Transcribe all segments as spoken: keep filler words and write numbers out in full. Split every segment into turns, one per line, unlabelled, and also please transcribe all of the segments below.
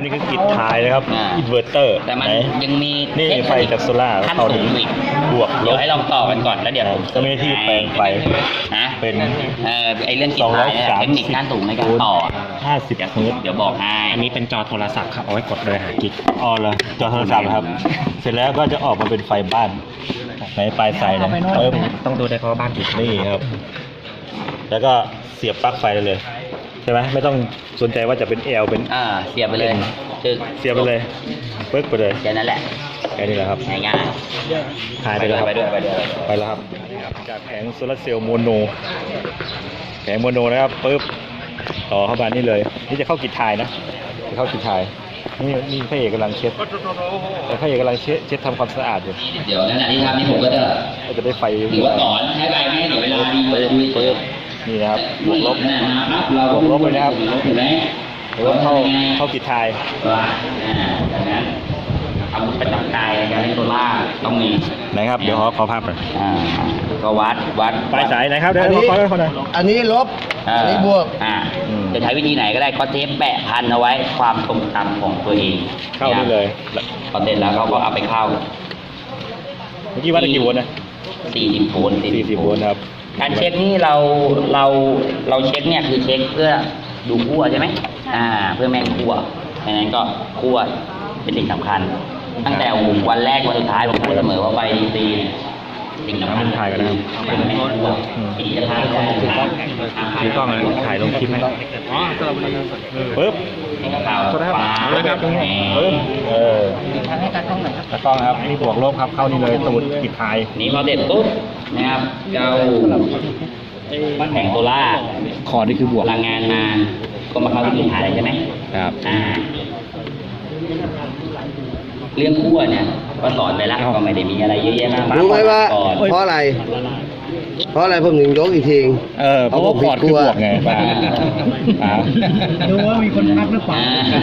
นี่คือกิจท้ายนะครับอินเวอร์เตอร์
แต่มันยังมี
นี่ไฟจากโซล่า
ขั้นสูงอีก
บวกล
เดี๋ยว
บ
ให้ลองต่อกันก่อนแล้วเดี๋ยว
จะมีที่แปลงไฟ
นะ
เป็น
เออไอเรื่องกิจท้ายเทคนิคขั้นสูงในการต่อ
ห้าสิบเฮิร์ตซ์
เดี๋ยวบอกให้
อันนี้เป็นจอโทรศัพท์ครับเอาไว้กดเลยหากิ๊ก
อ๋อเหรอจอโทรศัพท์ครับเสร็จแล้วก็จะออกมาเป็นไฟบ้านในปลายสายนะเพิ่ม
ต้องดูได้เพราะว่าบ้านกี่
นี่ครับแล้วก็เสียบปลั๊กไฟได้เลยใช่ไหมไม่ต้องสนใจว่าจะเป็น L เป็น
อ่าเสียบไปเลย
เสียบไปเลยปึ๊กไปเลย
แค่นั้นแหละ
แค่นี้แหละครับ
ง่าย
หายไปแล้วครับ
ไปด้วยไปด้วย
ไปแล้วครับจากแผงโซลาร์เซลล์โมโนแผงโมโนนะครับปึ๊บต่อเข้ามานี่เลยนี่จะเข้ากิจทายนะจะเข้ากิจทายนี่นี่พระเอกกำลังเช็ดแต่พระเอกกำลังเช็ดเช็ดทำความสะอาดอยู่
เดี๋ยวนั่นแหละที่ทำนี่ผมก็จะ
ก็จะได้ไฟ
ถือว่าต่อใช้ไปไม่เสียเวลาดีเลย
ปึ๊บนี่นะครับบวกลบบวกลบเลยนะครับหรือว่าเข้าเข้ากิจทาย
ว่าดังนั้นอาวุธประจำกายในการเล่นโซล่าต้องมี
นะครับเดี๋ยวขอขอภาพหน่อย
อ่าก็วัดวัด
ปลายสายนะครับเดี๋ยวขอขอหน่อย
อันนี้ลบอันนี้บวก
อ่าจะใช้วิธีไหนก็ได้ก็เทปแปะพันเอาไว้ความทรงจำของตัวเอง
เข้าได้เลย
พอเสร็จแล้วก็เอาไปเข้า
เมื่อกี้วัดได้กี่โวลต์นะ
สี่สิบโวลต์
สี่สิบโวลต์ครับ
การเช็คนี่เราเราเราเช็คเนี่ยคือเช็คเพื่อดูคั่วใช่ไหมอ่าเพื่อแม่งคั่วดังนั้นก็คั่วเป็นสิ่งสำคัญตั้งแต่วันแรกวันสุดท้ายผมพูดเสมอว่าไฟดีสิ่งสำคัญ
ถ่ายกันนะครับ
เป็นแม่คั่วสิ่งที่จะถ่ายได้ถือกล้อง
ถือกล้องเลยถ่ายลงคลิปไหมอ๋อปึ๊บ
ข่าวฟ้า
ครับตรงนี้ปึ๊บเออทางให้การกล้องหน่อยครับการกล้องครับนี่บวกลบครับเข้านี่เลยตูดกิจทาย
นี่พอเด็ดปุ๊บนะครับเจ้าแผงโซล่า
คอนี่คือบวก
พลังงานมาก็มาเข้าที่กิจทายใช่ไหม
ครับ
อ่าเรื่องคั่วเนี่ยก็สอนไปแล้วก็ไม่ได้มีอะไรเยอะแยะมาก
รู้ไหมว่าเพราะอะไรเพราะอะไรผมถึงยกอีกที
เออเพราะว่าคอร์ดคือบวกไงป้า
ดูว่ามีคนทักหรือเปล่า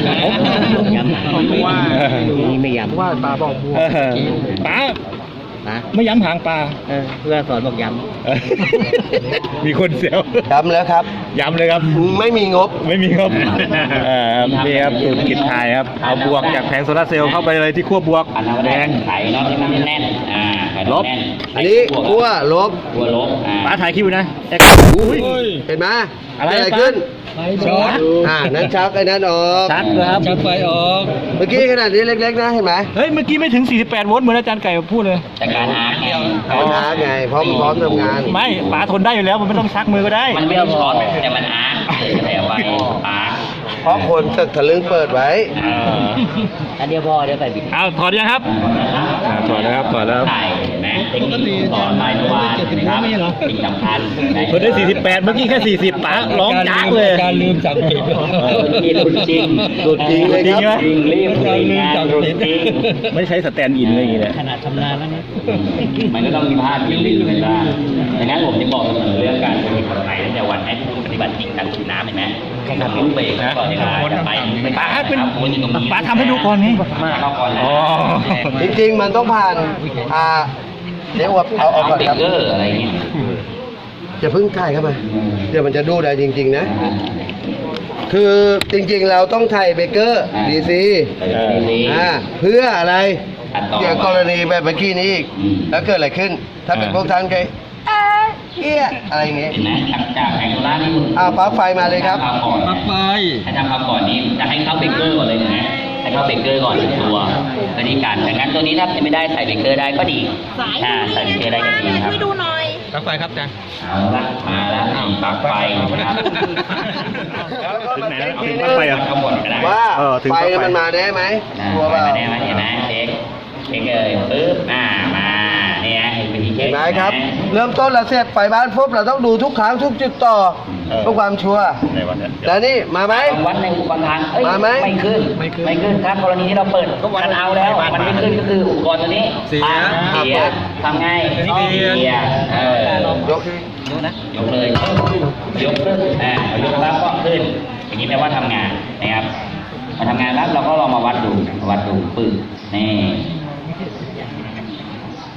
ว่านี่ไม่ย้ำ
ว่าปลาบอกบวก
ป้าไม่ย้ำหางปลา
เพื่อสอนบอกย้
ำมีคนเสียว
ย้ำแล้วครับ
ย้ำเลยครับ
ไม่มีงบ
ไม่มีงบนี่ครับสูตรกิจทายครับเอาบวกจากแผงโซลาร์เซลล์เข้าไปเลยที่ขั้วบวก
แดงไข่เนาะที่มันแน่นอ่า
ลบ
อันนี้ขั้วลบ
ขั้วลบ
ป้าถ่ายคลิปนะ
เห็นไหม
อะไร
ขึ้น
ช็อต
อ่านั้นชักไอ้นั้นออก
ชักครับ
ชักไฟออกเมื่อกี้ขนาดนี้เล็กๆนะเห็นไหม
เฮ้ยเมื่อกี้ไม่ถึงสี่สิบแปดโวลต์เหมือนอาจารย์ไก่พูดเลย
แต่การอาร์ไง
การอาร์ไงพร้อมพร้อมทำงาน
ไม่ป๋าทนได้อยู่แล้วมันไม่ต้องชักมือก็ได้
มันไม่ต้องช็อตแต่มันอาร์แต่ไฟป๋า
เพราะคนตึกทะลึ่งเปิดไว้
อันเดียวพอเดี๋ยวใส่บิ๊ก
อ้าวถอดยังครับถอดแล้วครับถอดแล้ว
ใช่นะเทคนิคสอนไปทุกวันนะครับสิ่งสำคัญ
เพิ่งได้สี่สิบแปดเมื่อกี้แค่สี่สิบป๋าร้องจ้าเลย
การลืมจับผิด
นี่หลุดจริง
หลุดจริงเลยครับ
จริงรีบการลืมจับผิดจริง
ไม่ใช้สแตนด์อินอะไรอย่างเงี้ย
ขนาดชำนาญแล้วนะ
มันก็ต้องมีพลาดมีลืมกันบ้างดังนั้นผมจะบอกเสมอเรื่องการปฏิบัติไหนตั้งแต่วันให้ปฏิบัติจริงการสูบน้ำเห็นไหมทำลูกเบรกก่อนเวลาจะไป
ป๋าเป็นป๋าทำให้ดูก่อนไง
อ๋อ
จริงๆมันต้องผ่านอ่าเดี๋ยวเอาเอาก่อนครับ
อะไรเงี้ย
จะพึ่งถ่ายเข้ามาเดี๋ยวมันจะดูได้จริงๆนะคือจริงๆเราต้องถ่ายเบเกอร์ดีซีอ่าเพื่ออะไรเกี่ยวกับกรณีแบบเมื่อกี้นี้อีกแล้วเกิดอะไรขึ้นถ้าเป็นพวกท่านใครเอี้ยอะไรอย่างเงี้ย
จากแผงโซล่านี่
อ่าปลั๊กไฟมาเลยครับ
ปลั๊กไฟให้ทำมาก่อนนี้จะให้เข้าเบเกอร์ก่อนเลยนะให้เข้าเบเกอร์ก่อนตัวตัวนี้กันดังนั้นตัวนี้ถ้าไม่ได้ใส่เบเกอร์ได้ก็ดีอ่าใส่เบเกอร์ได้ก็ดีครับ
ช่วยดูหน่อย
ปลั๊กไฟครับอาจารย์
เอาละมาแล้วปลั๊กไฟนะครับ
ถึงไหนแล้วถึงปลั๊กไฟอ่ะ
ว่าไฟมันมาได้ไหม
ตัวเปล่ามาได้ไหมเห็นไหมเช็คเช็คเลยปึ๊บอ่ามาเนี่ยเห็นไหมเช็ค
ไหมครับเริ่มต้นเราเสร็จไฟบ้านปุ๊บเราต้องดูทุกครั้งทุกจุดต่อเพื่อความชัวร์แล้วนี่มาไหม
วัดในอุปกรณ์ทางมาไหมไม่ขึ้นไม่ขึ้นถ้ากรณีที่เราเปิดกันเอาแล้วมันไม่ขึ้นก็คืออุปกรณ์ตัวนี้เสียเสียทำไงเสียเออยกดูนะยกเลยยกขึ้นอ่ายกแล้วก็ขึ้นอย่างนี้แปลว่าทำงานนะครับมาทำงานแล้วเราก็ลองมาวัดดูวัดดูปึ๊บนี่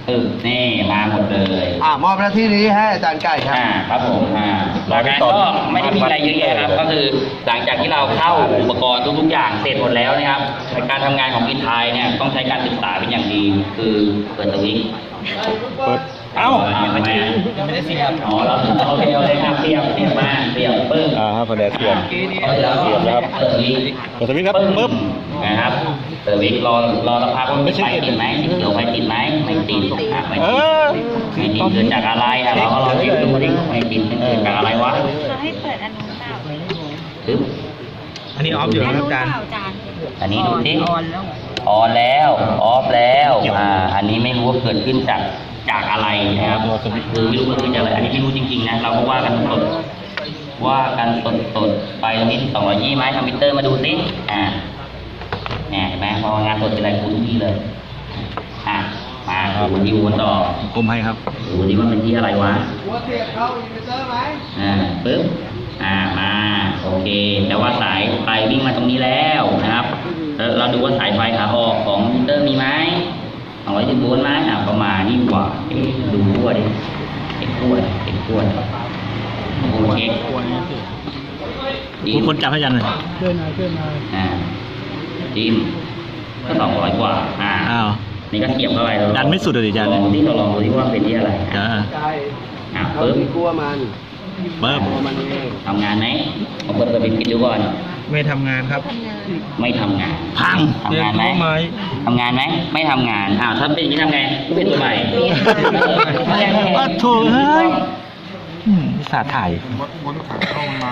เออนี่มาหมดเลย
อ่ามอบหน้าที่นี้ให้อาจารย์ไก่ครับ
อ่าครับผมอ่าหลังจากนั้นก็ไม่ได้มีอะไรเยอะแยะครับก็คือหลังจากที่เราเข้าอุปกรณ์ทุกๆอย่างเสร็จหมดแล้วนะครับในการทำงานของอินไทยเนี่ยต้องใช้การศึกษาเป็นอย่างดีคือเปิดสวิตช์
เปิดเอ้า
ไม่ได้ไม่ได้เสียบอ๋อแล้วโอเคโอเคครับเสียบเสียบมาเสียบปึ้ง
อ่าครับพอดีเสียบ
เสียบแล้วครับเปิดสวิตช์
เปิดสวิตช์ครับปึ๊บ
นะครับเปิดสวิตช์รอรอสักพักว่าไฟติดไหมสีเขียวไฟติดไหมไม่ติดอ่ะไม่
เอ
ติด
อ
ไม่ติดเกิดจากอะไรอ่ะเราก็ลองเช็คดูดิไม่ติดเกิดจากอะไรวะ
เขาให้เปิดอันนู้นเปล่า
ปึ๊บ
อันนี้ออฟอยู่
อัน
นะ
นู้น
อา
เป
จารย์
ล่าจาน
อันนี้ดูสิ
ออนแล้ว
ออนแล้วออฟแล้วอ่าอันนี้ไม่รู้ว่าเกิดขึ้นจากจากอะไรนะครับคือไม่รู้ว่าเกิดจากอะไรอันนี้ไม่รู้จริงๆนะเราก็ว่ากันสดว่ากันสดสดๆไปตรงนี้สองร้อยยี่ไหมทำมิเตอร์มาดูสิอ่าเนี่ยเห็นไหมพองานสดเป็นอะไรกูทุกที่เลยอ่ะมาดูที่วนต่อ
กลมให้ครับ
ดูดิว่าเป็นที่อะไรวะ
หัวเสียบเข้าอินเวอร์เตอร์ไหม
อ่าปึ๊บอ่ามาโอเคแต่ว่าสายไฟวิ่งมาตรงนี้แล้วนะครับแล้วเราดูว่าสายไฟขาออกของมิเตอร์มีไหมสองร้อยสิบโวลต์ไหมอ่าประมาณนี้กว่าเอ๊ะดูขั้วดิเช็คขั้วดิเช็คขั้วดิโอ้เช็ค
ทุกคนจับให้ยันเลย
อ่าดิมก็สองร้อยกว่าอ่า
อ้าว
นี่ก็เสียบเข้าไปเรา
ดันไม่สุดเลยดิจัน
ลองที่เราลองดูที่ว่าเป็นที่อะไร
จ้า
ไก่
อ่า
เขา
ปึ๊บ
มีกลัวมัน
ปึ๊บ
กลัวมันเอง
ทำงานไหมเอาเปิดเปิดปิดปิดดูก่อน
ไม่ทำงานครับ
ไม่ทำงาน
พัง
ทำงานไหมทำงานไหมไม่ทำงานอ้าวถ้าเป็นอย่างนี้ทำไงก็เป็นตัวใหม่
อ้าวโถเฮ้ยอืมอุตสาห์ถ่าย
บนขาเข้ามา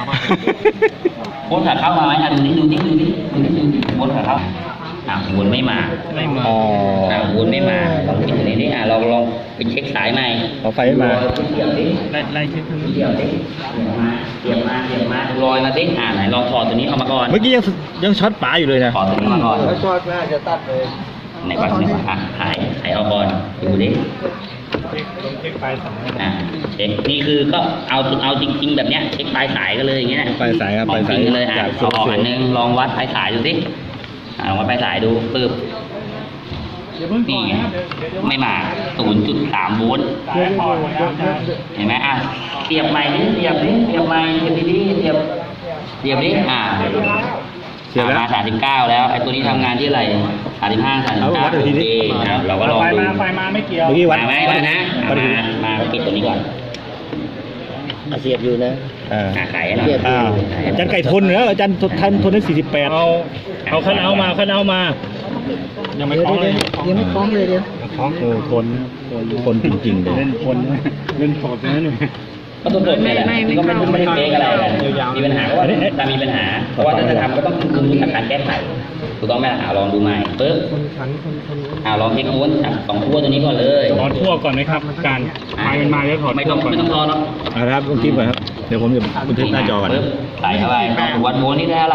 ไหมอ่ะดูนี่ดูนี่ดูนี่ดูนี่ดูนี่บนขาเข้าอ่ะวนไม่มา
ไม่มา
อ๋อ
อ่ะวนไม่มาลองปิดตรงนี้ดิอ่ะลองลองไปเช็คสายใหม่
เอาไฟไม่มา
เสียบดิ
ไล่ไล่เช็ค
เสียบดิเสียบมาเสียบมาลอยมาดิอ่ะไหนลองถอดตัวนี้ออกมาก่อน
เมื่อกี้ยังยังช็อตป๋าอยู่เลยนะ
ถอดตัวนี้มาก่อน
แล้วชอดแม่จะตัดเลย
ไหนก่อนไหนก่อนอ่ะถ่ายถ่ายเอาก่อนดูดิ
เช็คไฟสอง
อ่ะเช็คนี่คือก็เอาเอาจริง ๆ แบบเนี้ยเช็คปลายสายกันเลยอย่างเงี้ย
ปลายสายครับ
ขอ
ปลาง ย
จ
สา
ริ
ย
งกันเลยอ่ะ
จาก
เอาออกอันนึงลองวัดปลายสายดูสิอ่ะลองวัดปลายสายดูปึ๊บนี่ไงไม่มา ศูนย์จุดสาม โวลต์เห็นไหมอ่ะเสียบใหม่ดิเสียบดิเสียบใหม่เสียบดีๆเสียบเสียบดิอ่ะ
เสียบแล้ว
มาสามสิบเก้าแล้วไอ้ตัวนี้ทำงานที่อะไรสามสิบห้าสามสิบ
เอาวั
เก้า
ดอีกที
โอ
ดิ
เคอ่ะเราก็ลองดู
ไฟมาไม่เกี่ยว
เมื่อกี้วัด
มาไหม
วัด
มานะ
วัดอีกที
มามาปิดตัวนี้ก่อน
เสียบอยู่นะ
อ่า
อ่ะขายให้หน่อย
อ้าวอาจารย์ไก่ทนเหรออาจารย์ทนทนได้สี่สิบแปด
เอาเอาคันเอามาคันเอามา ยังไม่คล้องเลย
ยังไม่คล้องเลยเดี๋ยว
โอ้ทนทนจริงๆเลย
เล่นคนเล่นสดนะนี่
ก็ตัวผมเนี่ยแหละก็ไม่ไม่ได้เฟกอะไรกันมีปัญหาก็ว่าแต่มีปัญหา เพราะว่าถ้าจะทำก็ต้องคือมีการแก้ไขถูกต้องไหมล่ะอ่ะลองดูใหม่ปึ๊บอ่าลองเช็คม้วนอ่ะสองขั้วตัวนี้ก่อนเลย
ถอดทั่วก่อนไหมครับการไฟมันมาแล้วถอด
ไม่
ทั่
ต้
ว
อง
ก่อน
ไม่ต้องรอเนาะ
เอาละครับต้องกิ๊บก่อนครับ เดี๋ยวผมจะบันทึกหน้าจอก่อน
ปึ๊บใส่เข้าไปลองวัดโวลต์นี่ได้อะไร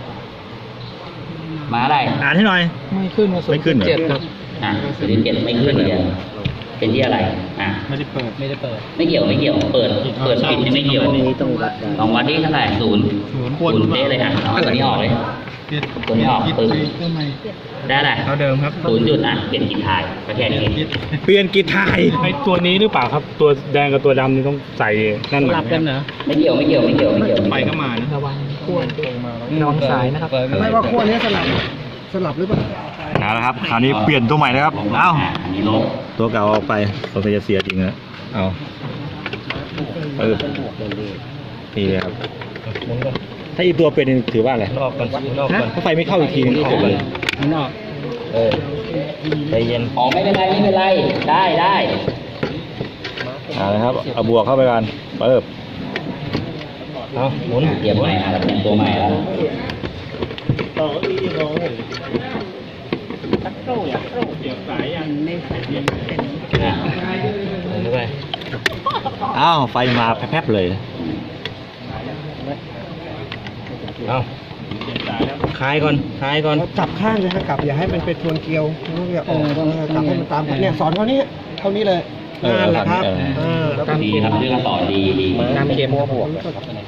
มาอะไร
อ่านให้หน่อย
ไม่ขึ้นมา
ไม่ขึ้นเหรอ
เจ็ดครับ
อ่ะศูนย์จุดเจ็ดไม่ขึ้นเลยเป็นที่อะไรอ่ะ
ไม่ได้เปิดไม่ได้เปิด
ไม่เกี่ยวไม่เกี่ยวเปิดเปิดปิดนี่ไม่เกี่ยว
ต้องวัดได้
ลองวัดที่เท่าไหร่ศูนย์
ศูนย์
ศูนย์เป๊ะเลยอ่ะเอาตัวนี้ออกเลยตัวนี้ออกปึ๊บได้อะไร
เท่าเดิมครับ
ศูนย์จุดอ่ะเปลี่ยนกี่ทายก็แค่นี้
เปลี่ยนกีทาย
ไอตัวนี้หรือเปล่าครับ ตัวแดงกับตัวดำนี่ต้องใส่นั่นหลับกันเหรอ
ไม่เกี่ยวไม่เกี่ยวไม่เกี่ยวไม่เกี่ยว
ไฟก็มานะระวังขั้วน้องสายนะครับ
ไม่ว่าขั้วนี้สลับสลับหรือเปล่า
เอาละครับคราวนี้เปลี่ยนตัวใหม่นะครับ เอ้า
อันนี้ลบ
ตัวเก่าออกไปสงสัยจะเสียจริงนะเอาเออนี่ครับ ถ้าอีกตัวเป็นนี่ถือว่าอะไร
รอบก่อนรอบก่อน
ถ้าไฟไม่เข้าอีกทีนึงจบเลย
นอก
เออใจเย็น
อ๋อไม่เป็นไรไม่เป็นไรได้ได้
เอาละครับ เอาบวกเข้าไปกันเปิบเอาหมุน
เตรียมใหม่อ่ะเราเตรียมตัวใหม่แล้ว
เกี่ยวสายยัง
อ่ะ
ด้วย
อ้าวไฟมาแพ๊บๆเลย
เอาคลายก่อนคลายก่อน
จับข้างเลยฮะกลับอย่าให้มันเป็นทวนเกลียวอย่าออกจับให้มันตามเนี่ยสอนเขานี้เท่านี้เลย
เออ
นั่นแหละครับ
เออ
เออแล้วก็
ดีครับเรื่องสอนดีดี
น้ำเค็มบวก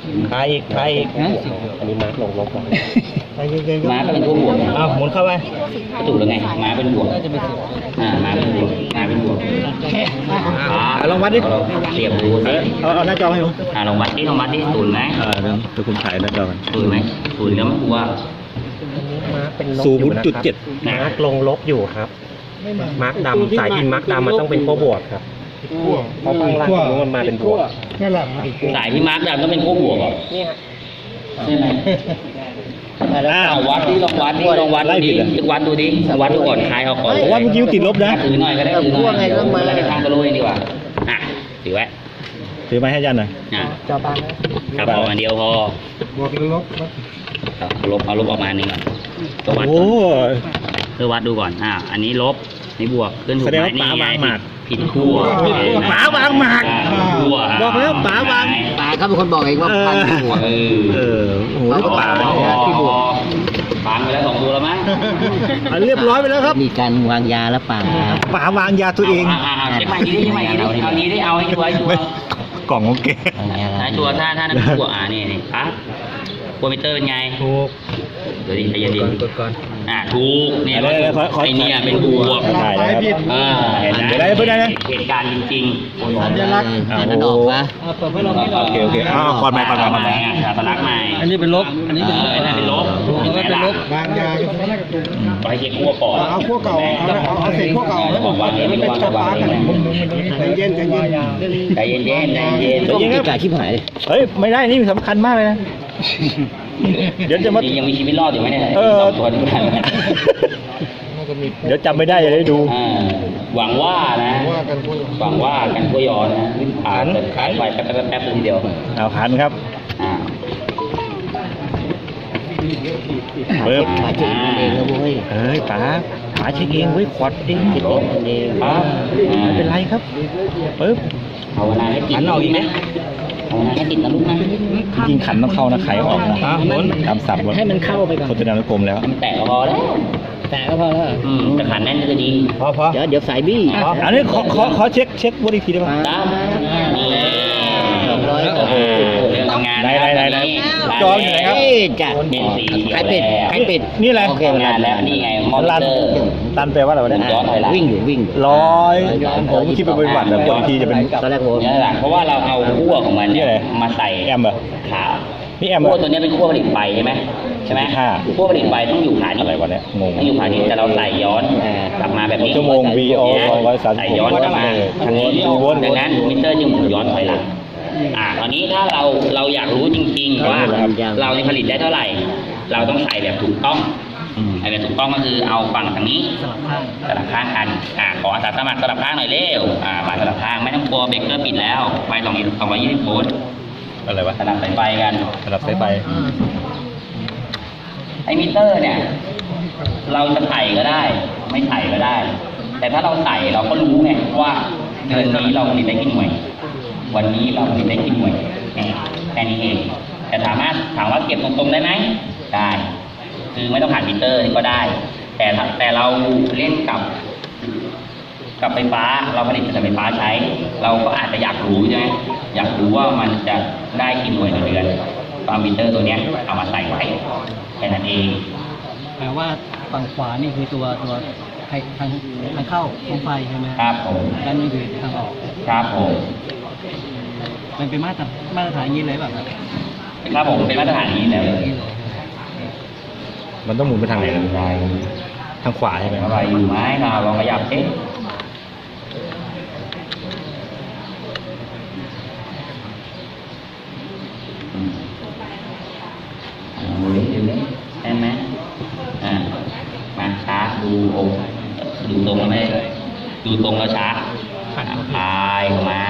คลายอีกคลายอีก
อันนี้มาร์กลงลบมาร์กก็เป็นขั้วบวก
เอาหมุนเข้าไป
ก็ถูกแล้วไงมาร์กเป็นบวกอ่ามาร์กเป็นบวกมาร์กเป็นบวก
เอาลองวัดดิ
เสียบดูสิ
เอาเอาหน้าจอให้ผม
อ่าลองวัดดิลองวัดดิศูนย์ไหม
เออเดี๋ยวเดี๋ยวคุณถ่ายหน้าจอกัน
ศูนย์ไหมศูนย์แล้วมันกลัว
ศูนย์จุดเจ็ด
มาร์กลงลบอยู่ครับ มาร์กดำสายพินมาร์กดำมันต้องเป็นขั้วบวกครับเพราะข้างล่างมันมาเป็นบวก
สายที่มาร์กดำต้องเป็นขั้วบวกเหรอใช่ไหม
อ้าว
เอาวัดดิลองวัดดิลองวัด
ไล่ผิ
ดิ
ดเหรอ
วัดดูดิวัดดูก่อนคลายเอาก่อน
ผมว่าเมื่อกี้ติดลบนะ
ถือหน่อยก็ได้ถือหน่อยแล้วไปทางตะลุยดีกว่าอ่ะถือไว้
ถือไม้ให้ยันหน่อย
อ่ะจอบานครับเอาอันเดียวพอบวกลบเอาลบเอาลบออกมาหนึ่งก่อนตัววัด
โอ้
ก่อนเพื่อวัดดูก่อนอ่าอันนี้ลบนี่บวกขึ้นถูก
แสดง
ไหม
ว่าป๋าวางหมาก
ผิดขั้ว
ป๋าวางหมาก
ผิดขั้ว
บอกแล้วป๋าวาง
ป๋าเขาเป็นคนบอกเองว่าพันหัว
เออ
เออโอ้โหนี่ก็ป่า
อ๋อ
เนี่ยที่บวก
ฟังไปแล้วสองตัวแล้วมั้ง
อ่ะเรียบร้อยไปแล้วครับ
มีการวางยาแล้วป่า
ป๋าวางยาตัวเอง
อ่าอ่าเช็คใหม่ดีดิเช็คใหม่ดีดิเอานี้ได้เอาให้ชัวร์ให้ชัว
ไม่
ร์
กล่องของแก
ให้ชัวร์ถ้าถ้านั่นชัวร์อ่านี่นี่ปั๊บโปรมิเตอร์เป็นไงถูกเดี๋ยวดิใจเย็นดิอ่าถูกเนี่ย
เดี๋ยวเดี๋ยวขอขอ
ไอเนี่ยเป็นบวก
ถ่ายแล้วครับ
อ่าเห็นไหม
เดี๋ยวได้เพื่อนได้นะ
เหตุการณ์จริงๆ
สัญลักษณ์
อ่า
นั่นออกปะ
โอเคโอเคอ้าวก่อนใหม่ก่อนใหม่ก่อนใหม่
สัญลักษณ์ใหม่
อันนี้เป็นลบ อันนี้เป็นลบ
อันนั้นเป็นลบ
อันนี้เป็นลบ
วางยาไปเช็คขั้วก่อนเอาขั้วเก่าเอาเอาเศษขั้วเก่าแล้ววางเองไม่วางวางเองใจเย็นใจเย็นใจเย็นใจเย็นใจเย็น
ใจเย็นครับ
จ่ายชิบหาย
เฮ้ยไม่ได้นี่สำคัญมากเลยนะ เดี๋ยวจะมา
ยังมีชีวิตรอดอยู่ไหมเนี่ย
เออ
สองตัวนี้กัน
เดี๋ยวจำไม่ได้จะได้ดู
อ่าหวังว่านะหวังว่ากันกล้วยย้อนนะอ่านแต่ขายไปแป๊บแป๊บแป๊บทีเดียว
เอาหันครับ
อ่า
เปิบ
ขาเจ็บเองนะเว้ย
เอ้ยป๋าป๋าเช็คเองเว้ยขวดเอง
ลบเองปั๊บ
ไม่เป็นไรครับปึ๊บ
ภาวนาให้ติดนะลูกนะภาวนาให้ติดนะลูกนะ
จริงๆขันต้องเข้านะไขออกนะตามสับ
ให้มันเข้าไปก่อน
โฆษณานุกรมแล้ว
มันแตะก็พอแล้ว
แต่ก็พอแล้ว
อืมแต่ขันแน่นก็จะดี
พอพอ
เดี๋ยวเดี๋ยวสายบี้
อันนี้ขอขอขอเช็คเช็ควนอีกทีได้ไหม
ตามนี่
สองร้อย
โอ้โหเรื่องทำงาน
ไหนไหนไหนไหน
จออยู่ไหนครับ
จ้ะ
เป็นสีเขียว
ใครเป็ด
แล้ว
ใครเป็ด
นี่แหละ
โอเค
ทำงานแล้วนี่ไงมอนิ
ตัน
เตอร์
ตันแปลว่าอะไรวะเนี่ย
ย้อนถอยหลัง
วิ่งอยู่วิ่ง
ร้อยผมคิดเป็นบริบัติแต่กดอีกทีจะเป็น
ตอนแรกผม
นี่แหละเพราะว่าเราเอาขั้วของมัน
นี่
เนี่ย
อะไร
มาใส่
แอมเหรอ
ขา
นี่แอมเหร
ขั้ว
อ
ตัวเนี้ยเป็นขั้วผลิตไฟใช่ไหมใช่ไหม
ค่ะ
ขั้วผลิตไฟต้องอยู่ขานี้
อะไรวะเนี่ยงง
ต้องอยู่ขานี้แต่เราใส่ย้อนกลับมาแบบนี้
ชั่วโมง วี โอ ร้อยสามสิบ
ใส่ย้อนกลับมาทางนี้
วน
ดังนั้นมิเตอร์จึงหมุนย้อนถอยหลังอ่าตอนนี้ถ้าเราเราอยากรู้จริงๆว่าเราในผลิตได้เท่าไหร่ เราต้องใส่แบบถูกต้อง
อืม
ไอ้แบบถูกต้องก็คือเอาฝั่งทางนี้สลับข้างกันอ่าขออาสาสมัครสลับข้างหน่อยเร็วอ่ามาสลับข้างไม่ต้องกลัวเบรกเกอร์ปิดแล้วไฟสองสองร้อยยี่สิบโวลต์
อะไรวะ
สลับสายไฟกัน
สลับสายไฟ
ไอ้มิเตอร์เนี่ย เราจะใส่ก็ได้ ไม่ใส่ก็ได้ แต่ถ้าเราใส่เราก็รู้ไงว่าเดือนนี้เราผลิตได้กี่หน่วย วันนี้เราผลิตได้กี่หน่วยแค่แค่นี้เองแต่ถามว่าถามว่าเก็บตรงๆได้ไหมได้ คือไม่ต้องผ่านมิเตอร์ก็ได้ แต่ถ้าแต่เราเล่นกับ กับไฟฟ้าเราผลิตแต่ไฟฟ้าใช้ เราก็อาจจะอยากรู้ใช่ไหมอยากรู้ว่ามันจะได้กี่หน่วยต่อเดือนตามมิเตอร์ตัวเนี้ยเอามาใส่ไว้แค่นั้นเอง
แปลว่าฝั่งขวานี่คือตัวตัวทางทางทางเข้าของไฟใช่ไหม
ครับผม
ด้านนี้คือทางออก
ครับผม
มันเป็นมาตรมาตรฐานอย่างนี้เลยแบบครับ
ครับผมเป็นมาตรฐานนี้แล้ว
มันต้องหมุนไปทางไหนนะทางขวาใช่ไหม
อะไรอยู่ไหมเราลองขยับเอ๊ะอืมเอาเล็กดูนี่ได้ไหมอ่ามาช้าดูองค์ดูตรงแล้วไม่ดูตรงแล้วช้าอ่ะคลายเข้ามา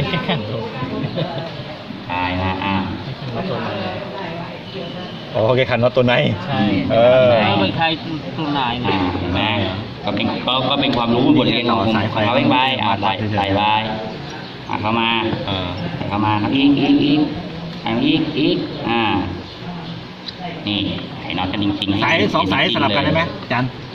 คลายมาอ่ะ
อ๋อโอเคขันน็อตตัวไหน
ใช่
เออ
เอาไปใครตัวไหน
อ่าเห็นไหมก็เป็นก็ก็เป็นความรู้บทเรียนของผมของเขาเองไปอ่าใส่ใส่ไปอ่าเข้ามา
เออ
ใส่เข้ามาครับอีกอีกอีกอ่าอีกอีกอ่านี่ไอ้น็อตกันจริงๆให้
สายสองสายสลับกันได้ไหมจัน
ฮ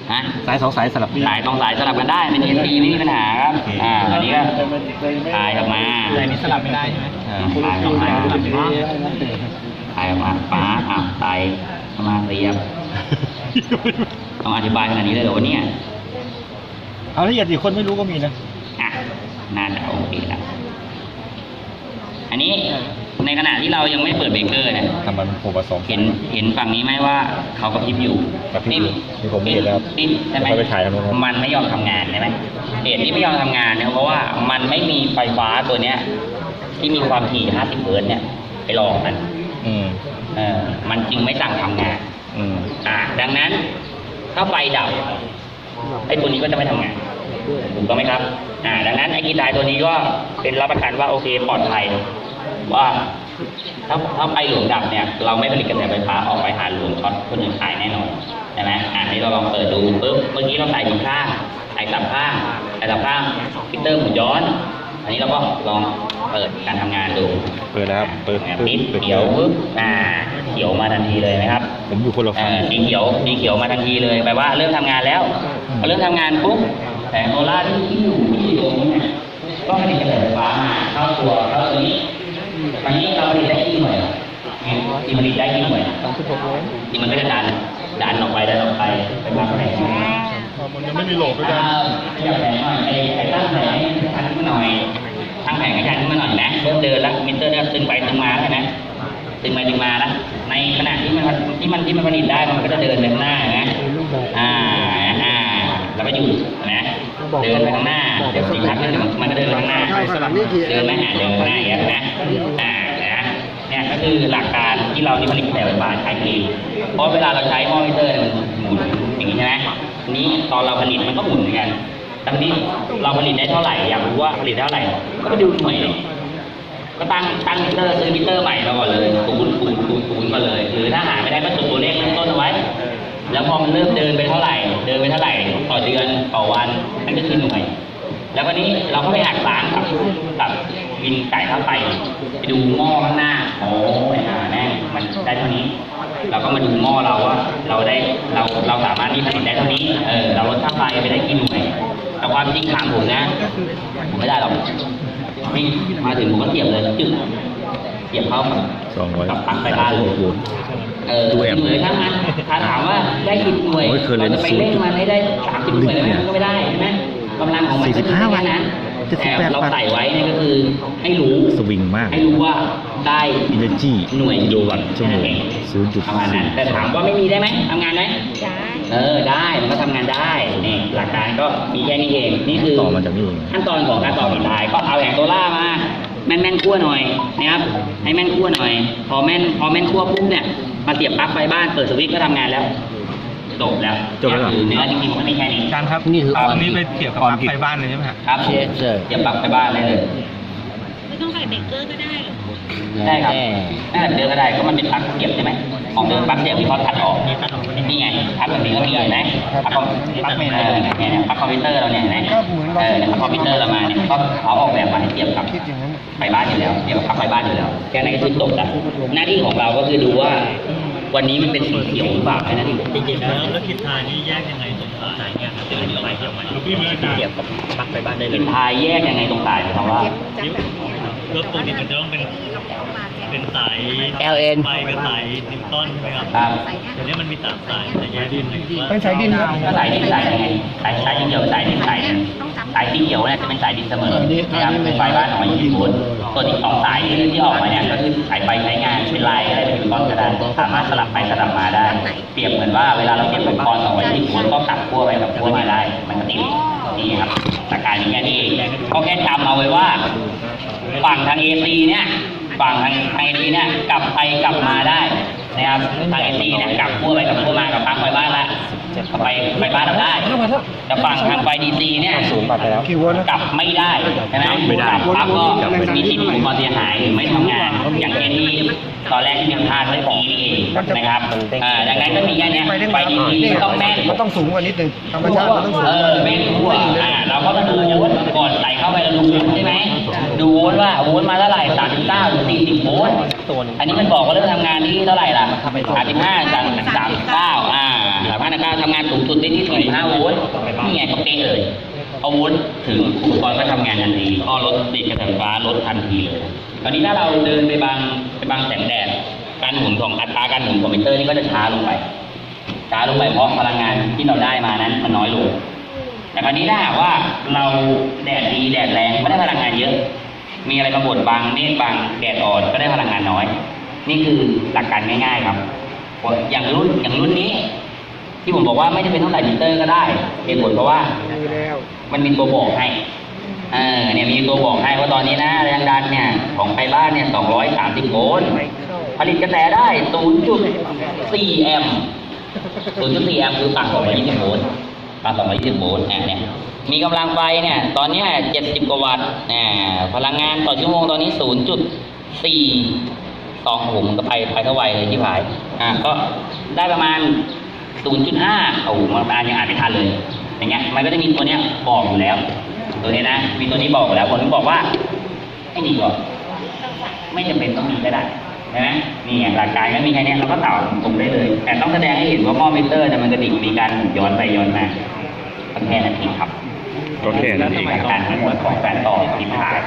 ฮะ
สายสองสายสลับ
สายสองสายสลับกันได้เป็น เอ ซี ไม่มีปัญหาครับอ่าอันนี้ก็ถ่ายออกมาแต่นี้สลับไม่ได้ใช่ไหมถ่ายออกมาถ่ายออกมาป้าอ่ะไต่เข้ามาเรียบต้องอธิบายขนาดนี้เลยเหรอวะเนี่ย
เอาละเอียดดิคนไม่รู้ก็มีนะ
อ่ะน่าจะโอเคแล้วอันนี้ในขณะที่เรายังไม่เปิดเบรกเกอร์เนี่ย
ทำมันโผล่มาสอง
เห็นเห็นฝั่งนี้ไหมว่าเขากระพริบอยู่
กระพริบอยู่นี่ผมเห็นแล้วครับ
ปิ๊บใช่ไหม
เดี๋ยวค่อยไปถ่ายทางโน้นครับ
มันไม่ยอมทำงานใช่ไหมเหตุที่ไม่ยอมทำงานเนี่ยเพราะว่ามันไม่มีไฟฟ้าตัวเนี้ย ที่มีความถี่ห้าสิบเฮิร์ตซ์เนี่ยไปรองมัน
อืม
เออมันจึงไม่สั่งทำงาน
อืม
อ่าดังนั้นถ้าไฟดับไอ้ตัวนี้ก็จะไม่ทำงานถูกต้องไหมครับอ่าดังนั้นไอ้กีตายตัวนี้ก็เป็นรับประกันว่าโอเคปลอดภัยว่าถ้าถ้าไฟหลวงดับเนี่ยเราไม่ผลิตกระแสไฟฟ้าออกไปหาหลวงช็อตคนอื่นขายแน่นอนใช่ไหมอ่านี้เราลองเปิดดูปุ๊บเมื่อกี้เราใส่ถึงข้างใส่สับข้างใส่สับข้างฟิลเตอร์หมุนย้อน อันนี้เราก็ลองเปิดการทำงานดู
เปิดแล้วครับเปิด
ปิด
เปิด
เขียวปุ๊บอ่าเขียวมาทันทีเลยนะครับ
ผมอยู่คนละ
เอ่
ฝั่ง
อสีเขียวสีเขียวมาทันทีเลยแปลว่าเริ่มทำงานแล้วพอเริ่มทำงานปุ๊บแสงโซล่าร์ที่อยู่ที่ตรงนี้เนี่ยก็ผลิตกระแสไฟฟ้ามาเข้าตัวเข้าตัวนี้ตอนนี้เราผลิตได้กี่หน่วยที่ผลิตได้กี่หน่วยที่มันก็จะดันดันออกไปดันออกไปไปมากแสงมันยังไม่มีโหลดด้วยกันขยับแสงหน่อยไอ้ไอ้ตั้งแสงทันขึ้นมาหน่อยตั้งแสงให้ทันขึ้นมาหน่อยนะเริ่มเดินแล้วมิเตอร์เริ่มตึงไปตึงมาแล้วนะตึงไปตึงมาแล้วในขณะที่มันที่มันที่มันผลิตได้มันก็จะเดินไปข้างหน้านะอ่าอ่าแล้วก็หยุดนะเดินไปข้างหน้าเดี๋ยวสีพักนึงมันก็เดินไปข้างหน้าเดินไม่หาเดินข้างหน้าอย่างเงี้ยนะอ่านะเนี่ยก็คือหลักการที่เราที่ผลิตกระแสไฟฟ้าใช้เองเพราะเวลาเราใช้มอนิเตอร์เนี่ยมันหมุนอย่างนี้ใช่ไหมนี้ตอนเราผลิตมันก็หมุนเหมือนกันตอนนี้เราผลิตได้เท่าไหร่อยากรู้ว่าผลิตเท่าไหร่ก็ไปดูหน่วยเลยก็ตั้งตั้งมิเตอร์ซื้อมิเตอร์ใหม่มาก่อนเลยศูนย์ศูนย์ศูนย์ศูนย์มาเลย หรือถ้าหาไม่ได้ก็จดตัวเลขเริ่มต้นเอาไว้ แล้วพอมันเริ่มเดินไปเท่าไหร่ เดินไปเท่าไหร่ต่อเดือนต่อวันนั่นก็คือหน่วย แล้วก็นี้เราก็ไปหักล้างกับกับวินจ่ายค่าไฟไปดูหม้อข้างหน้าโอ้ยหาแน่มันได้เท่านี้ เราก็มาดูหม้อเราว่าเราได้เราเราสามารถที่ผลิตได้เท่านี้เออเราลดค่าไฟไปได้กี่หน่วยแต่ความจริงถามผมนะผมไม่ได้หรอกไม่มาถึงผมก็เสียบเลยจึ๊กเสียบเข้ากับ
สองร้อย
กับปลั๊กไฟบ้านเลย
โวลต์
เออหน่วยทั้งนั้นถ้าถามว่าได้กี่หน่วย
โอ้ยเคยเล่น
เราจะไปเร่งมันให้ได้สามสิบหน่วยเลยไหมมันก็ไม่ได้ใช่ไหมกำลังของมันก็คือแค่นั้นแต่เราใส่ไว้เนี่ยก็คือให้รู้
สวิงมาก
ให้รู้ว่าได้
Energy
หน่วย
กิโลวัตต์ชั่วโมง ศูนย์จุด
ประมาณนั้นแต่ถามว่าไม่มีได้ไหมทำงานไหม
ได้
เออได้มันก็ทำงานได้นี่หลักการก็มีแค่นี้เองนี่คือ
ต่อมาจากนี่เอง
ขั้นตอนของการต่อผิดลายก็เอาแผงโซล่ามาแม่นแม่นๆคั่วหน่อยนะครับให้แม่นคั่วหน่อย พอแม่นพอแม่นคั่วปุ๊บเนี่ยมาเสียบปลั๊กไฟบ้านเปิดสวิตช์ก็ทำงานแล้วจบแล้ว
จบแล้วเหรอ
คือเนื้อจริงๆมันไม่แค่นี้
การครับ
นี่คือ
ตรงนี้ไปเกี่ยวกับปลั๊กไฟบ้านเลยใช่ไหมครับ
ครับผมเสียบปลั๊กไฟบ้านเลย
ไม่ต้องใส่เบรกเกอร์ก็ได้หรอ
ได้ครับนั่นแหละเดินก็ได้ก็มันเป็นปลั๊กเสียบใช่ไหมของเดิมปลั๊กเสียบที่เขาตัดออกนี่ไงปลั๊กแบบนี้ก็มีเห็นไหมปลั๊กคอมปลั๊กเมนเออเนี่ยเนี่ยปลั๊กคอมพิวเตอร์เราเนี่ยเห็นไหมเออเนี่ยปลั๊กคอมพิวเตอร์เรามาเนี่ยก็เขาออกแบบมาให้เสียบกับไฟบ้านอยู่แล้วเสียบกับปลั๊กไฟบ้านอยู่แล้วแค่นั้นก็คือจบแล้วหน้าที่ของเราก็คือดูว่าวันนี้มันเป็นสีเขียวหรือเปล่าแค่นั้นเอง
จริงๆแล้วแล้วคิดทายนี่แยกยังไงตรงสายเนี่ยครับจะเป็นไฟเขียวไหมเทียบกับปลั๊กไฟบ้านได้เล
กิ
ย
นพายแยกยังไงตรงสายหมายความว่า
รถปกติมันจะต้องเป็นเป็นสาย
แอล เอ็น
ไฟกับสายนิวตันใช่ไหมครับ
ครับ
เดี๋ยวนี้มันมีสามสายแต่แยกดิน
เป็นสายดินครับ
ก็สายดินสายยังไงสายสายสีเขียวสายดินสายเนี่ยสายสีเขียวเนี่ยจะเป็นสายดินเสมอนะครับเป็นไฟบ้านของยี่สิบโวลต์ตัวที่สองสายที่ออกมาเนี่ยก็คือสายไฟใช้งานเป็นลายอะไรเป็นก้อนกระดาษสามารถสลับไปสลับมาได้ เปรียบเหมือนว่าเวลาเราเก็บอุปกรณ์สองร้อยยี่สิบโวลต์ก็กลับขั้วไปกับขั้วมาได้มันก็ติดนี่ครับหลักการนี้แค่นี้เองก็แค่จำเอาไว้ว่าฝั่งทาง เอ ซี เนี่ยฝั่งทางไอดีเนี่ยกลับไปกลับมาได้นะครับทาง เอ ซี เนี่ยกลับขั้วไปกับขั้วมากับปลั๊กไฟบ้านละก็ไปไฟบ้านเราได้แต่ฝั่งทางไฟ ดี ซี เนี่ย
ศูนย์บาทไปแล้ว
กลับไม่ได้ใช่ไหม
ไม่ได้
กลับปั๊บก็มีที่มีอุปกรณ์เสียหายหรือไม่ทำงาน อย่างเช่นที่ตอนแรกที่มีพลาดเมื่อกี้นี่เองนะครับอ่าดังนั้นก็มีแค่เนี้ยไฟ ดี ซี ต้องแม่น
มันต้องสูงกว่านิดนึงธรรมชาติมันต้องสูง
เออแม่นทั่วอ่าเราก็มาดูโวลต์ก่อนใส่เข้าไปเราดูโวลต์ใช่ไหมดูโวลต์ว่าโวลต์มาเท่าไหร่สามสิบเก้าหรือสี่สิบโวลต์อันนี้มันบอกว่าเริ่มทำงานที่เท่าไหร่ล่ะสามสิบห้าจากสามสิบเก้าอ่าสามพันเก้าทำงานสูงสุดได้ที่สี่สิบห้าโวลต์นี่ไงก็เป๊ะเลยเอาโวลต์ถึงอุปกรณ์ก็ทำงานทันทีก็ลดติดกระแสไฟฟ้าลดทันทีเลยตอนนี้ถ้าเราเดินไปบางไปบางแสงแดดการหมุนของอัตราการหมุนของมิเตอร์นี่ก็จะช้าลงไปช้าลงไปเพราะพลังงานที่เราได้มานั้นมันน้อยลงแต่คราวนี้ถ้าหากว่าเราแดดดีแดดแรงไม่ได้พลังงานเยอะมีอะไรมาบดบังเมฆบังแดดอ่อนก็ได้พลังงานน้อยนี่คือหลักการง่ายๆครับอย่างรุ่นอย่างรุ่นนี้ที่ผมบอกว่าไม่จำเป็นต้องใส่มิเตอร์ก็ได้เหตุผลเพราะว่ามันมีตัวบอกให้เออเนี่ยมีตัวบอกให้ว่าตอนนี้นะแรงดันเนี่ยของไฟบ้านเนี่ยสองร้อยสามสิบโวลต์ผลิตกระแสได้ ศูนย์จุดสี่ แอมป์ ศูนย์จุดสี่ แอมป์คือปากสองร้อยยี่สิบโวลต์ปากสองร้อยยี่สิบโวลต์เนี่ยมีกำลังไฟเนี่ยตอนนี้เจ็ดสิบกว่าวัตต์เนี่ยพลังงานต่อชั่วโมงตอนนี้ ศูนย์จุดสี่ สองผมมันก็ไปไปเท่าไหร่เลยที่ผายอ่าก็ได้ประมาณ ศูนย์จุดห้า โอ้โหมันอ่านยังอ่านไม่ทันเลยอย่างเงี้ยมันก็จะมีตัวเนี้ยบอกอยู่แล้วตัวนี้นะมีตัวนี้บอกอยู่แล้วผมถึงบอกว่าให้ดีกว่าไม่จำเป็นต้องมีก็ได้ใช่ไหมนี่ไงหลักการก็มีแค่นี้เราก็ต่อตรงได้เลยแต่ต้องแสดงให้เห็นว่าหม้อมิเตอร์เนี่ยมันกระดิกมีการย้อนไปย้อนมาแค่นั้นเองครับ
ก็แค่นั้นเอง
หลัก
ครับ
การทั้งหมดของการต่อทิศทาง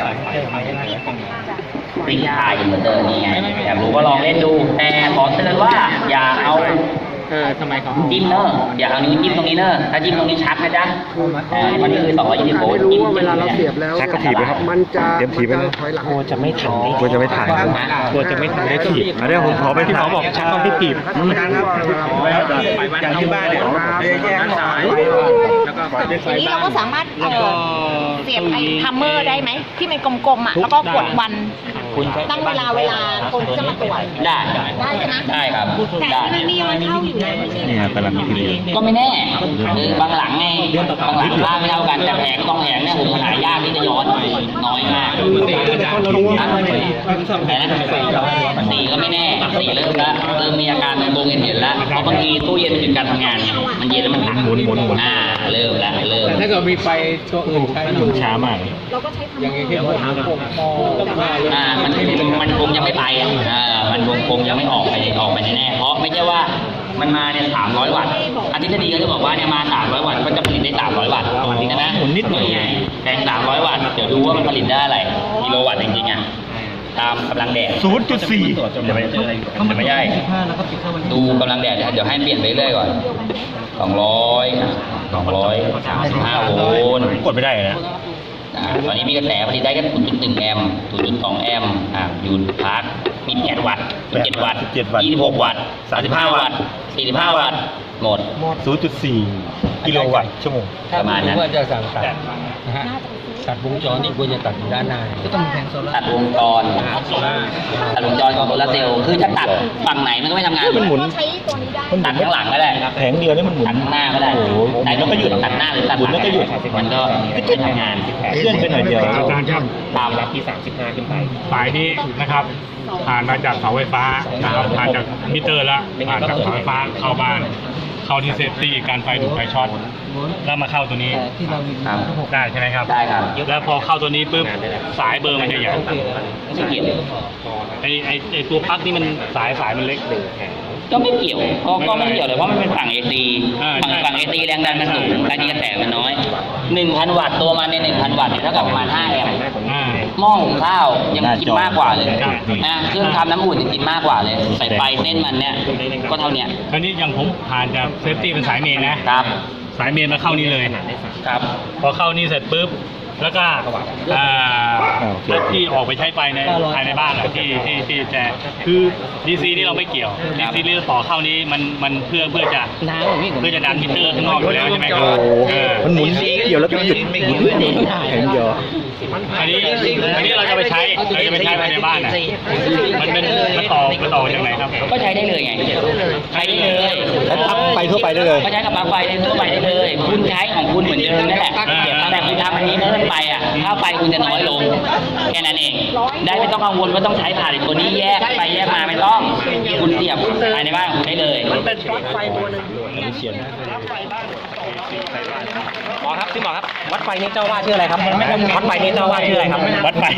ปริ้งทายอินเวอร์เตอร์นี่ไงอยากรู้ก็ลองเล่นดูแต่ขอเตือนว่าอย่าเอาจิ้มเนอะอย่าเอานิ้วจิ้มตรงนี้เนอะถ้าจิ้มตรงนี้ชักนะจ๊ะเออมันคือสองร้อยยี่สิบโวลต์จิ้มเวลาเราเสียบแล้ว
ชักก็ถีบไปครับมันจะเตรียมถีบไปเลย
โอ้จะไม่ทันได้
กลัวจะไม่ถ่าย
กลัวจะไม่ทันได้ถีบ
อันนี้ผมขอไป
ที่เขาบอกชักต้องที่ถีบ
อย่างที่บ้านเนี่ยแยกสาย
ทีนี้เราก็สามารถเอ่อเสียบไอ้ทัมเมอร์ได้ไหมที่มันกลมๆอ่ะแล้วก็กดวันตั้งเวลาเวลาคนที่จะมาตรวจ
ได้
ได้ใช่ไหม
ได้ครับ
แต่
ได้
ที่มันมีมันเข้าอยู่แล้วไม่ใช่
นี่กำลังคิดอยู่
ก็ไม่แน่คือบางหลังไงบางหลังค่าไม่เท่ากันแต่แผงต้องแผงเนี่ยผมหายากที่จะย้อนน้อยมากแต่นะสีก็ไม่แน่สีเริ่มแล้วเริ่มมีอาการตรงๆเห็นแล้วเพราะบางทีตู้เย็นหยุดการทำงานมันเย็นแล้วมันหัก
หมุนหมุนหมุน
อ่าเริ่มแล้วเริ่ม
ถ้าเกิดมีไฟตัวอื่นใช้
หมุนช้ามาก
เราก็ใช้ทัมเมอร์
อ่ามันมันคงยังไม่ไปอ่ะอ่ามันคงคงยังไม่ออกไปออกไปแน่ๆเพราะไม่ใช่ว่ามันมาเนี่ยสามร้อยวัตต์อธิบดีก็จะบอกว่าเนี่ยมาสามร้อยวัตต์ก็จะผลิตได้สามร้อยวัตต์ใช่ไหมหมุนนิดหน่อยแรงสามร้อยวัตต์เดี๋ยวดูว่ามันผลิตได้อะไรกิโลวัตต์จริงๆอ่ะตามกำลังแดด
ศูนย์จุดสี่
จะไม่จะไม่ใช่ดูกำลังแดดเดี๋ยวให้เปลี่ยนไปเรื่อยก่อนสองร้อยสองร้อยสามสิบห้าโวลต์
กดไม่ได้นะ
อ่าตอนนี้มีกระแสผลิตได้แค่ ศูนย์จุดหนึ่ง แอมป์ ศูนย์จุดสอง แอมป์อ่าอยู่พาร์ทมีแปดวัตต์เจ็ดวัตต์ยี่สิบหกวัตต์สามสิบห้าวัตต์สี่สิบห้าวัตต์หมด
ศูนย์จุดสี่กิโลวัตต์ชั่วโมง
ประมาณนั้น
ว่าจะสั่งตัดนะฮะตัดวงจรนี่ควรจะตัดอยู่ด้านหน้าก็ต้องแผงโซล่า
ตัดวงจรตัดวงจรของโซลาร์เซลล์คือจะตัดฝั่งไหนมันก็ไม่ทำงาน
มันหมุน
ก็ใช้ตัวนี้ได้
ตัดข้างหลังก็ได้
แผงเดียวนี่มันหมุน
ตัดข้างหน้าก็ได้
โอ้โห
แต่ก็หยุดตัดหน้าหรือตัดหลัง
หมุนแล้วก็หยุด
มันก็ไม่ทำงาน
เคลื่อนไปหน่อยเดียว
อาจารย์ครับ
ตาม
รับที่สามสิบห้าขึ้นไป
สายนี้นะครับผ่านมาจากเสาไฟฟ้านะครับผ่านจากมิเตอร์แล้วผ่านจากเสาไฟฟ้าเข้าบ้าน เข้าที่เซฟตี้การไฟถูกไฟช็อตแล้วมาเข้าตัวนี้
ครับ
ได้ใช่ไหมครับ
ได้ครับ
แล้วพอเข้าตัวนี้ปุ๊บสายเบอร์มันจะใหญ่
ไม่เกี่ยว
ไอไอไอตัวปลั๊กนี่มันสายสายมันเล็ก
ก็ไม่เกี่ยวก็ก็ไม่เกี่ยวเลยเพราะมันเป็นฝั่ง เอ ซี
อ่า
ฝั่ง
ใช่
ฝั่ง เอ ซี แรงดันมันสูงแรงกระแสมันน้อย หนึ่งพัน วัตต์ตัวมันในหนึ่งพัน วัตต์เนี่ยเท่ากับประมาณห้าแอมป์
อ่า
หม้อหุงข้าวยังกินมากกว่าเลย
ครับ
นะเครื่องทำน้ำอุ่นยังกินมากกว่าเลยใส่ไฟเส้นมันเนี่ยก็เท่าเนี้ย
คราวนี้อย่างผมผ่านจากเซฟตี้เป็นสายเมนนะครับ สายเมนมาเข้านี่เลย
ครับ
พอเข้านี่เสร็จปุ๊บแล้วก็อ่าแล้วที่ออกไปใช้ไฟในภายในบ้านอะที่ที่ที่จะคือ ดี ซี นี่เราไม่เกี่ยว ดี ซี นี่เราต่อเข้านี้มันมันเพื่อเพื่อจะเพื่อจะดันมิเตอร์ข้างนอกอยู่แล้วใช่ไหมครับเออ
มันหมุนเกี่ยวแล้วก็หยุดหมุนแผงเดียว
อันนี้อันนี้เราจะไปใช้เราจะไปใช้ภายในบ้านอ่ะมันเป็นมันต่อมันต่อจากไหนครับ
ก็ใช้ได้เลยไงใช้ได้เลย
ใช้ปลั๊กไฟทั่วไปได้เลย
ก็ใช้กับปลั๊กไฟได้ทั่วไปได้เลย คุณใช้ของคุณเหมือนเดิมนั่นแหละแต่คุณทำอันนี้เพิ่มไปอ่ะค่าไฟคุณจะน้อยลงแค่นั้นเองได้ไม่ต้องกังวลว่าต้องใช้ผ่านตัวนี้แยกไปแยกมาไม่ต้องคุณเสียบภายในบ้านของคุณได้เลย
หมอครับพี่หมอครับวัดไฟนี่เจ้าว่าชื่ออะไรครับวัดไฟนี่เจ้าว่าชื่ออะไรครับ
วัดไฟ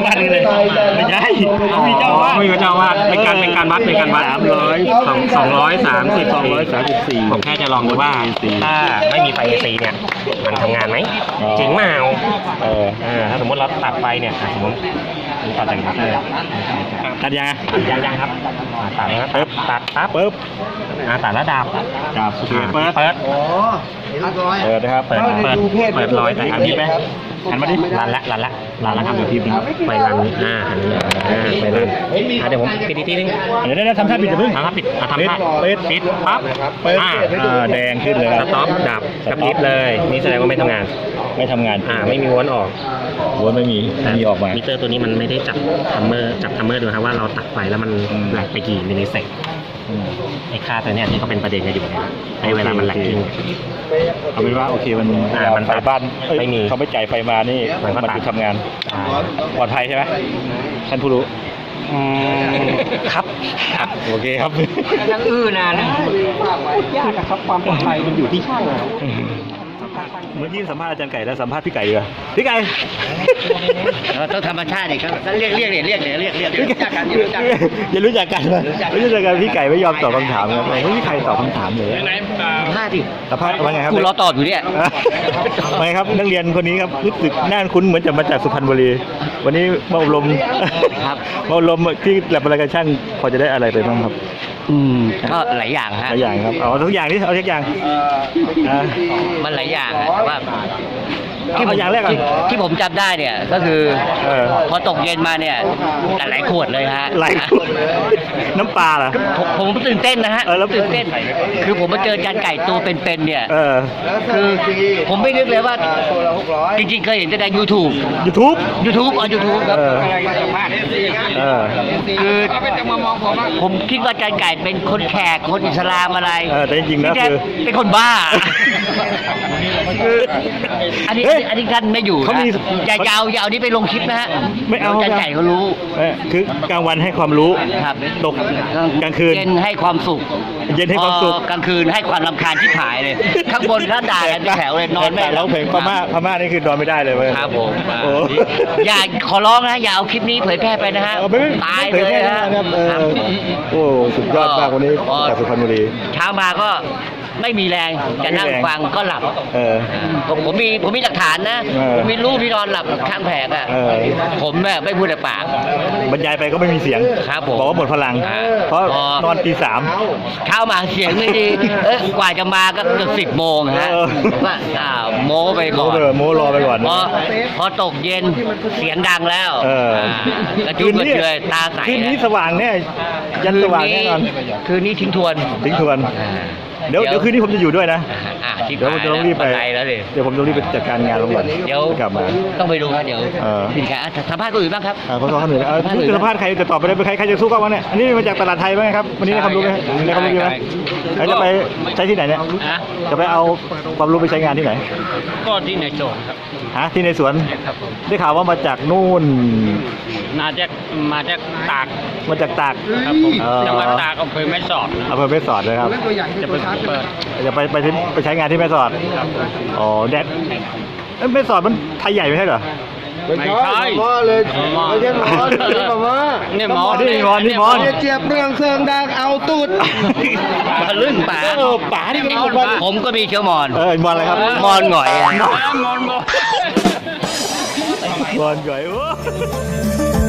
าวาดเลยไม่ใช่มีเจ้าอาวาด
ไม่มีเจ้าอาวาดเป็นการเป็นการวัดเป็นการวัด
สามร้อย
สองสองร้อยสามสิบ
สองร้อยสามสิบสี่
ผมแค่จะลองดูว่าถ้าไม่มีไฟ เอ ซี เนี่ยมันทำงานไหมจริงเปล่า
เออ
เออถ้าสมมติเราตัดไฟเนี่ยอ่ะสมมตินี่ตัดจากนี้เลย
ตัดยังอ่ะ
ยังยังครับอ่ะตัดแล้วตัดตัดปั๊บ
ปึ๊บ
อ่ะตัดแล้วดับ
จับโอเคเปิด
เปิด
อ๋อเห็นร้อย
เปิดนะครับ
เปิดเปิดเปิดรอยแต่อันนี้ไหม
หันมาดิ
รันละรันละรันละครับ
เดี๋ยวทีมนะครับ
ไปรันอ่าหันนี้อ่าไปรันอ่ะเดี๋ยวผมปิดอีกทีนึง
เดี๋ยวได้ทำท่าปิดจะพึ่ง
อ่ะครับปิดอ่ะทำท่า
ปิด
ปิดปั๊บ
เปิด
อ่า
อ่าแดงขึ้นเลย
สต็อปดับกระพริบเลย นี่แสดงว่าไม่ทำงาน
ไม่ทำงาน
อ่าไม่มีวนออก
หัวไม่มีไม่มีออกมา
มิเตอร์ตัวนี้มันไม่ได้จับทัมเมอร์จับทัมเมอร์ดูครับว่าเราตัดไฟแล้วมัน
อืม
แหลกไปกี่มิลลิเซก
อืม
ไอ้ค่าตัวเนี้ยที่เขาเป็นประเด็นกันอยู่เนี่ยไอ้เวลามันแหลกกิ้ง
เอาเป็นว่าโอเคมัน
อ่ามัน
ไฟบ้านเอ้ย
ไม่มี
เขาไม่จ่ายไฟมานี่
มันก็
มัน
ตัด
จะทำงานปลอดภัยใช่ไหมท่านผู้รู้
อืมครับครับ
โอเคครับ
ยังอื้อนานนะยากอะครับความปลอดภัยมันอยู่ที่ช่างอะ
เมื่อกี้สัมภาษณ์อาจารย์ไก่แล้วสัมภาษณ์พี่ไก่ดีกว่าพี่ไก่
เราต้องธรรมชาติดิครับเรียกเรียกเรียกเรียกเรียกเรียกเรียกรู้จักกันรู้จักกัน
อย่ารู้จักกันนะไม่รู้จักกันพี่ไก่ไม่ยอมตอบคำถามเลยไม่มีใครตอบคำถามเลย
พลาดดิ
สัมภาษณ์ว่าไงครับ
กูรอตอบอยู่เนี่ย
ไม่ครับนักเรียนคนนี้ครับรู้สึกน่าคุ้นเหมือนจะมาจากสุพรรณบุรี วันนี้มาอบรม
ครับ
มาอบรมที่แลบอะไรกันช่างพอจะได้อะไรไปบ้างครับ
อืมก็หลายอย่าง
ห
ฮะ
ลายอย่างครับเอาทุกอย่างนี่เอาทุกอย่างอ่า
มันหลายอย่างฮะแต่ว่า
เอาเอาอย่างแรกก่อน
ที่ที่ผมจำได้เนี่ยก็คือ
เออ
พอตกเย็นมาเนี่ยหลายขวดเลยฮะ
ไหลน้ำปลาเหรอ
ผมผมตื่นเต้นนะฮะ
เออแล้ว
ตื่นเต้น คือผมมาเจอจานไก่ตัวเป็นๆเนี่ย
เออ
คือผมไม่นึกเลยว่าจริงๆเคยเห็นแต่ใน YouTube
YouTube
YouTube อ๋อ YouTube ครับ
เออ เออ
คือผมคิดว่าจานไก่เป็นคนแขกคนอิสลามอะไร
เออแต่จริงๆแล้ว
ที่ท้
คือ
เป็นคนบ้าคืออันนี้
เฮ้ย
อันนี้ท่านไม่อยู่
เขามี
นะอย่าอย่าเอาอย่าเอานี้ไปลงคลิปนะฮะ
ไม่เอา
จานไก่เขารู้
เออคือกลางวันให้ความรู้
ครับ
ตกกลางคืน
เย็นให้ความสุข
เย็นให้ความสุข
พอกลางคืนให้ความรำคาญที่หายเลย ข้างบนถ้าด่ากันเป็นแถวเลยนอนไม่
แต่
หลั
ร้อบ งเพลงพม่าพม่านี่คือนอนไม่ได้เลยเว้ย
ครับผม
โอ้
อย่าขอร้องนะอย่าเอาคลิปนี้เผยแพร่ไปนะฮะ
เออไม่ไม่
ตาย
ไม่
เล
ผ
ย
แพร่
ฮะ
นะครับเออ
ครับ
โอ้สุดยอดมากวันนี้
อ๋อ
จากสุพรรณบุรี
เช้ามาก็ไม่มีแรงจะนั่ง
ไม่มีแรง
ฟังก็หลับ
เออ
ผมผมมีผมมีหลักฐานนะ
เออ
ผมมีรูปที่นอนหลับข้างแผงอ่ะ
เออ
ผมเนี่ยไม่พูดแต่ปาก
บรรยายไปก็ไม่มีเสียง
ครับผม
บอกว่าหมดพลัง
อ่า
เพราะ
พอน
อนตีสาม
เช้ามาเสียงไม่ดีเอ้ยกว่าจะมาก็เกือบสิบโมงฮะ
เออ
ว่าอ่าโม้ไป
โม
ก่อน
ไปโมรอไปก่อน
พอพอตกเย็นเสียงดังแล้ว
เออ
อ่ากระจุกกระเจยตาใส
คืนนี้สว่างแน่ยันสว่างแน่นอน
คืนนี้ทิ้งทวน
ทิ้งทวน
อ่า
เดี๋ยวเดี๋ยวคืนนี้ผมจะอยู่ด้วยนะ
อ่าชิบ
เดี๋ยวผม
หาย
จะต้องรีบไป
บันไดแล้วดิ
เดี๋ยวผมต้องรีบไปจัดการงานลงก่อน
เดี๋ยว
กลับมา
ต้องไปดูครับเดี๋ยว
เออ
สินค้าสัมภาษณ์คนอื่นบ้างครับ
อ่าเขาเขาเหนื่อยเออคือสัมภาษณ์ใครจะตอบไปได้ใครใครจะสู้กับวะเนี่ยอันนี้มาจากตลาดไทยไหมครับวันนี้ได้ความรู้ไหมได้ความรู้ไหมใครจะไปใช้ที่ไหนเนี่ย
อ่ะ
จะไปเอาความรู้ไปใช้งานที่ไหน
ก็ที่ในโจทย์ครับ
ฮะที่ในสวนได้ข่าวว่ามาจากนู่น
มาจากมาจากตาก
มาจากตาก
ครับผม
เออ
จังหวัดตากอำเภอแม่สอด
อำเภอแม่สอดเลยครับ
จะไปเปิด
จะไปไปที่ไปใช้งานที่แม่สอดอ๋อแดดเอ้ยแม่สอดมันไทยใหญ่ไม่ใช่เหรอ
ไม่ใช่หมอเลยไม่ใช่หมอเลยหมอ
เนี่ยหมอ
นี่หมอนี่หมอ
เนี่ยเจี๊ยบเรื่องเซิงดังเอาตูด
ทะลึ่งป่า
เออป๋านี่เป็นคนบ้าน
ผมก็มีเชื้อมอน
เออมอนอะไรครับ
มอนหงอยอะ
มอนหงอยโอ้